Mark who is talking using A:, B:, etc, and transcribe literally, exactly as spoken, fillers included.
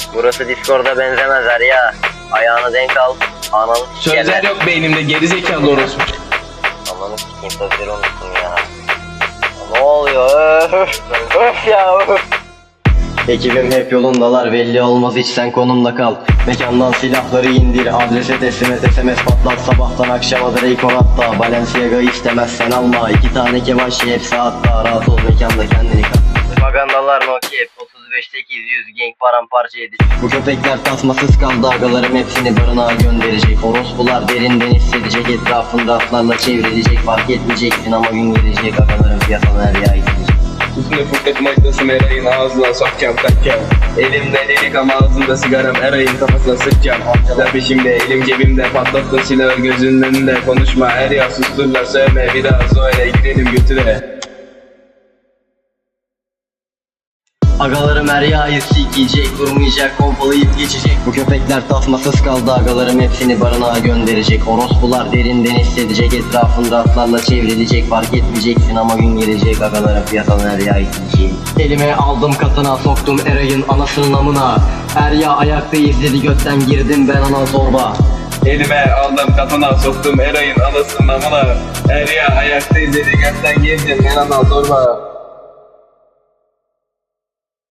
A: Burası Discord'a benzemez ya. Ayağını denk al. Ananı sikeyim.
B: Sözler yok beynimde, gerizekalı orospu.
A: Ananı sikeyim, sözleri unuttum ya. Ne oluyor? Öf, öf ya öf. Ekibim hep yolundalar, belli olmaz hiç sen konumda kal. Mekandan silahları indir, adrese teslim et, S M S patlat. Sabahtan akşama Drake hatta, Balenciaga istemezsen alma. İki tane kebaşi hepsi hatta, rahat ol mekanda kendini kat. Propagandalar Nokia otuz beş sekiz yüz gang paramparça edecek. Bu köpekler tasmasız kaldı, agalarım hepsini barınağa gönderecek. Orospular derinden hissedecek, etrafında atlarla çevrilecek. Fark etmeyeceksin ama gün gelecek, agalarım piyasadan her yağ gidecek.
B: Üstüne fırlat maydası merayın, ağzına sokacağım takacağım. Elimde delik ama ağzımda sigaram, erayın kafasına sıkacağım. Amcalar peşimde, elim cebimde, patlattın silahı gözünün önünde. Konuşma her ya, susturlar söyleme, bir daha söyle, girelim götüre.
A: Agalarım her yağı sikecek, durmayacak, pompalayıp geçecek. Bu köpekler tasmasız kaldı, agalarım hepsini barınağa gönderecek. Orospular derinden hissedecek, etrafında atlarla çevrilecek. Fark etmeyeceksin ama gün gelecek, agalarım piyasadan her yağı sikecek. Elime aldım katına, soktum Eray'ın anasının amına. Her yağ ayakta izledi, götten girdim ben ana zorba.
B: Elime aldım katana, soktum erayın anasının amına. Her ya ayakta izledi, gökten girdim ben ana zorba.